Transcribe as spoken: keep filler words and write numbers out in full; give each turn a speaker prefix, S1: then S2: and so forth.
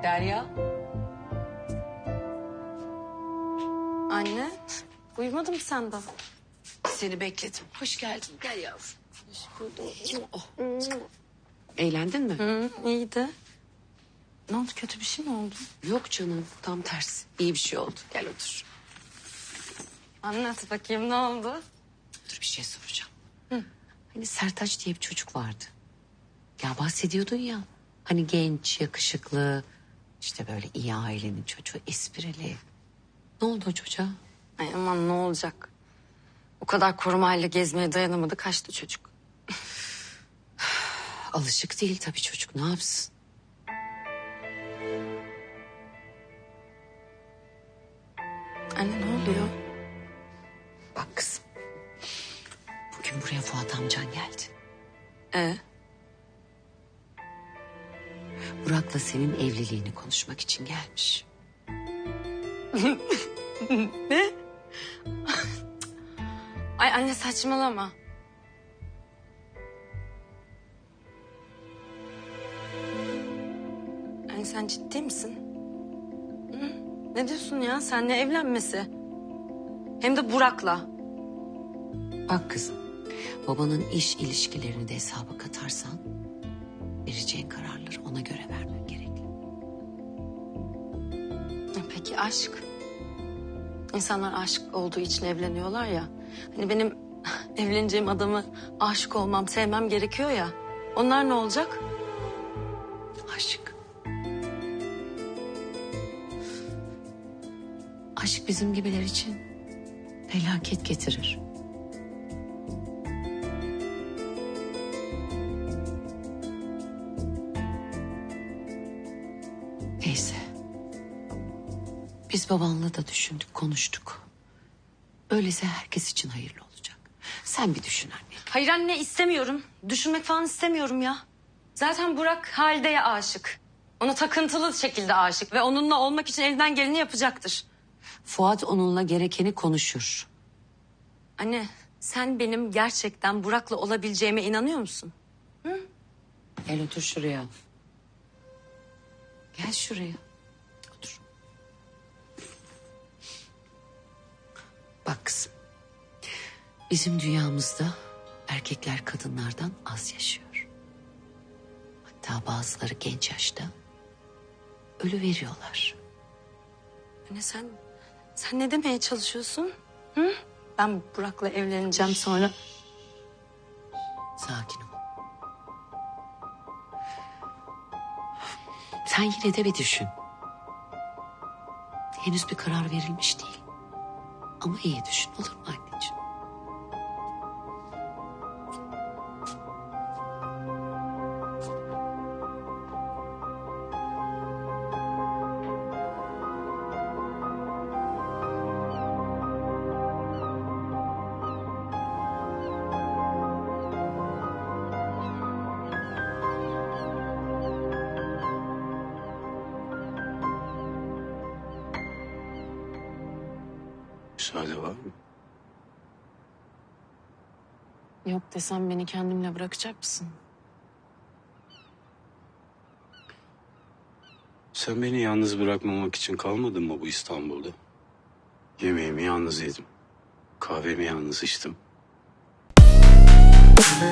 S1: Derya.
S2: Anne, uyumadın mı sen daha?
S1: Seni bekledim. Hoş geldin. Gel yavrum. Hoş bulduk. Oh. Eğlendin mi?
S2: Hı, iyiydi. Ne oldu, kötü bir şey mi oldu?
S1: Yok canım. Tam tersi. İyi bir şey oldu. Gel otur.
S2: Anlat bakayım, ne oldu?
S1: Dur bir şey soracağım. Hı. Hani Sertaç diye bir çocuk vardı. Ya bahsediyordun ya. Hani genç, yakışıklı, işte böyle iyi ailenin çocuğu, esprili. Ne oldu o çocuğa?
S2: Ay aman, ne olacak? O kadar korumayla gezmeye dayanamadı, kaçtı çocuk.
S1: Alışık değil tabii çocuk. Ne yapsın?
S2: Anne, ne oluyor?
S1: Bak kızım. Bugün buraya Fuat amcan geldi.
S2: Ee,
S1: Burak'la senin evliliğini konuşmak için gelmiş.
S2: Ay anne, saçmalama. Anne, sen ciddi misin? Hı? Ne diyorsun ya? Seninle evlenmesi. Hem de Burak'la.
S1: Bak kızım, babanın iş ilişkilerini de hesaba katarsan... vereceğin kararları ona göre vermen gerekli.
S2: Ya peki aşk? İnsanlar aşık olduğu için evleniyorlar ya. Hani benim evleneceğim adamı aşık olmam, sevmem gerekiyor ya. Onlar ne olacak?
S1: Aşk. Aşk bizim gibiler için felaket getirir. Neyse. Biz babanla da düşündük, konuştuk. Öyleyse herkes için hayırlı olacak. Sen bir düşün anne.
S2: Hayır anne, istemiyorum. Düşünmek falan istemiyorum ya. Zaten Burak Halide'ye aşık. Ona takıntılı şekilde aşık ve onunla olmak için elinden geleni yapacaktır.
S1: Fuat onunla gerekeni konuşur.
S2: Anne, sen benim gerçekten Burak'la olabileceğime inanıyor musun?
S1: Gel otur şuraya. Gel şuraya. Otur. Bak kızım. Bizim dünyamızda erkekler kadınlardan az yaşıyor. Hatta bazıları genç yaşta ölü veriyorlar.
S2: Anne, sen sen ne demeye çalışıyorsun? Hı? Ben Burak'la evleneceğim sonra.
S1: Sakin ol. Sen yine de bir düşün. Henüz bir karar verilmiş değil. Ama iyi düşün, olur mu anneciğim?
S3: Müsaade var mı?
S2: Yok desem beni kendimle bırakacak mısın?
S3: Sen beni yalnız bırakmamak için kalmadın mı bu İstanbul'da? Yemeğimi yalnız yedim. Kahvemi yalnız içtim.